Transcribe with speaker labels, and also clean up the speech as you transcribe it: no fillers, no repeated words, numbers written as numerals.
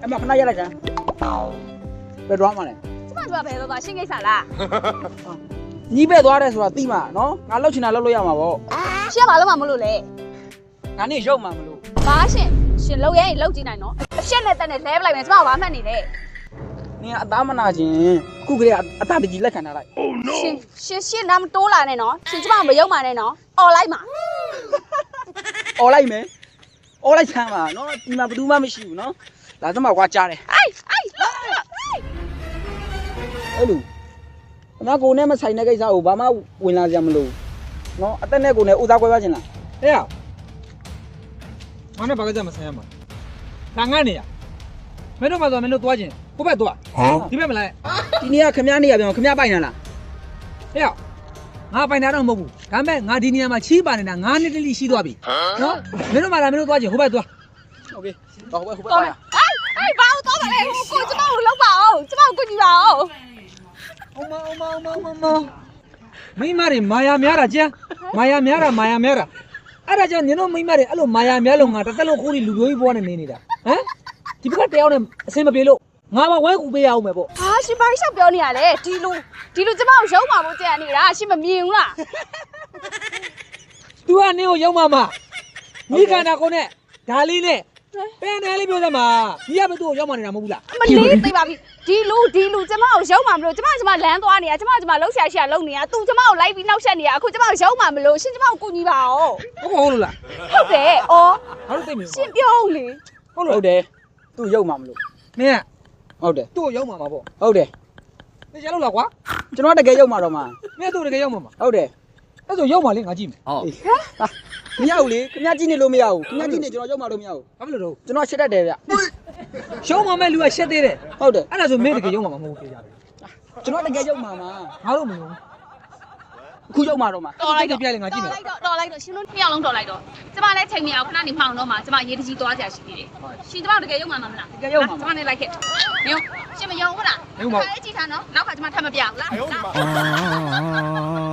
Speaker 1: အဲ့မှာခဏရက်လိုက်ကြဘယ်သွားမှလဲ
Speaker 2: ကျမတို့ကဘယ်တော့ရှင်းကိစ္စလား
Speaker 1: ညီးပဲ့သွားတယ်ဆိုတာသိမှာနော်ငါလှုပ်ချင်တာလှုပ်လို့ရမှာပေါ့
Speaker 2: ရှင်းဘာလို့မှမလို့လဲ
Speaker 1: ငါနေရုပ်မှာမလို့
Speaker 2: ဘာရှင်လှုပ်ရင်လှုပ်ကြည့်နိုင်နော်အရှက်နဲ့တက်နဲ့လဲပလိုက်မယ်ကျမကဘာမှတ်နေလဲ
Speaker 1: နင်ကအသားမနာခြင်းအခုကလေးကအသားတကြီးလက်ခံထားလိုက်
Speaker 2: ရှင်နာမတိုးလာနဲ့နော်ရှင်ကျမမယုံပါနဲ့နော်អော်လိုက်ပါ
Speaker 1: អော်လိုက်မယ်អော်လိုက်ဆမ်းပါနော်ဒီမှာဘယ်သူမှမရှိဘူးနော်လာစမ်းပါကွာကြားတယ်
Speaker 2: အေး
Speaker 1: အဲ့လိုအမကိုနဲ့မဆိုင်တဲ့ကိစ္စကိုဘာမှဝင်လာကြမလို့နော်အသက်နဲ့ကိုနဲ့ဥသားကွဲပါချင်လား
Speaker 3: ဟဲ့ရငါနဲ့ဘာကကြမဆိုင်ရမှာဒါငါနေရမင်းတို့မှဆိုမင်းတို့သွားခြင်းကိုဘက်သွားဒီဘက်မလိုက်
Speaker 1: ဒီနေ့ကခမည်းနေရပြန်ခမည်းပိုင်လာလား
Speaker 3: ဟဲ့ရငါပိုင်တာတော့မဟုတ်ဘူးဒါပေမဲ့ငါဒီနေရာမှာချီးပါနေတာ9နှစ်တလိရှိသွားပြီနော်မင်းတို့မှလာမင်းတို့သွားခြင်းဟိုဘက်သွား
Speaker 1: โอเคတော့ဟိုဘက်
Speaker 2: တော်တယ်အေးဘာလို့တော့ပါလဲကိုကျမကိုလောက်ပါအောင်ကျမကိုကူညီပါအောင်
Speaker 3: အမမိမတွေမာယာများတာကျန်မာယာများတာအဲ့ဒါကြောင့်နင်တို့မိမတွေအဲ့လိုမာယာများလို့ငါတစ်သက်လုံးခိုးပြီးလူမျိုးကြီးဘွားနဲ့နေနေတာဟမ်ဒီဘက်ကတယောက်နဲ့အဆင်မပြေလို့ငါမဝဲကူပေးရအောင်မယ်ပေါ့
Speaker 2: ဟာရှင်ဘာရှောက်ပြောနေရလဲဒီလူကျမကိုရုံးပါဖို့ကြံနေတာရှင်မမြင်ဘူးလား
Speaker 3: तू ကနင်းကိုရောက်မှာမိခန္ဓာကိုနဲ့ဒါလေးနဲ့ပဲနယ်လေးပြောစမ်းပါညီကပဲသူ့ကိုရောက်မှနေတာမဟုတ်ဘူးလား
Speaker 2: မလေးသိပါပြီဒီလူကျမကိုရုံးပါမလို့ကျမလမ်းသွားနေတာကျမလှုပ်ရှားလုံနေတာသူကျမကိုလိုက်ပြီးနောက်ဆက်နေတာအခုကျမရုံးပါမလို့ရှင်ကျမကိုကူညီပါအောင်
Speaker 3: ဟုတ်လို့လား
Speaker 2: ဟုတ်တယ်အော်
Speaker 3: ငါတို့သိပြီ
Speaker 2: ရှင်ပြောဦးလေ
Speaker 1: ဟုတ်တယ်သူ့ရုပ်မှာမလို့
Speaker 3: မင်းက
Speaker 1: ဟုတ်တယ်
Speaker 3: သူ့ကိုရောက်မှာပေါ့
Speaker 1: ဟုတ်တယ်
Speaker 3: သိချင်လို့လားကွာ
Speaker 1: ကျွန်တော်တကယ်ရုပ်မှာတော့မှာ
Speaker 3: မင်းသူ့တကယ်ရောက်မှာ
Speaker 1: ဟုတ်တယ်
Speaker 3: အဲ့ဆိုရောက်မှာလေငါကြည့်မယ်
Speaker 1: မရဘူးလေခမည်းကြည့်နေလို့မရဘူးခမည်းကြည့်နေကျွန်တော်ရုပ်မှာတော့မရဘူး
Speaker 3: ဘာဖြစ်လို့တော့
Speaker 1: ကျွန်တော်ရှက်တတ်တယ်ဗျ
Speaker 3: ရှုံးမှာမဲ့လူကရှက်သေးတယ်
Speaker 1: ဟုတ်တယ်
Speaker 3: အဲ့ဒါဆိုမင်းတကယ်ရောက်မှာမဟုတ်ဘူးကြတယ်
Speaker 1: ကျွန်တော်တကယ်ရုပ်မှာမှာ
Speaker 3: ငါတို့မလို့
Speaker 1: အခုရုပ်မှာတော့မှာ
Speaker 3: တော်လိုက်တော့ပြလိုက်ငါကြည့်မယ်
Speaker 2: တော်လိုက်တော့ရှင်တို့နှစ်ယောက်လုံးတော်လိုက်တော့ကျမလည်းချိန်မရအောင်ခဏနေမှောင်တော့မှကျမရေးတကြီးသွားကြရှိသေးတယ်ရှင်ကျမတကယ်ရုံမှမလားကျမနဲ့လိုက်ခဲ့မျိုးရှင်မယုံဘူးလားအဲ့ကြည့်ထားနော်နောက်ကကျမထပ်မပြဘူးလား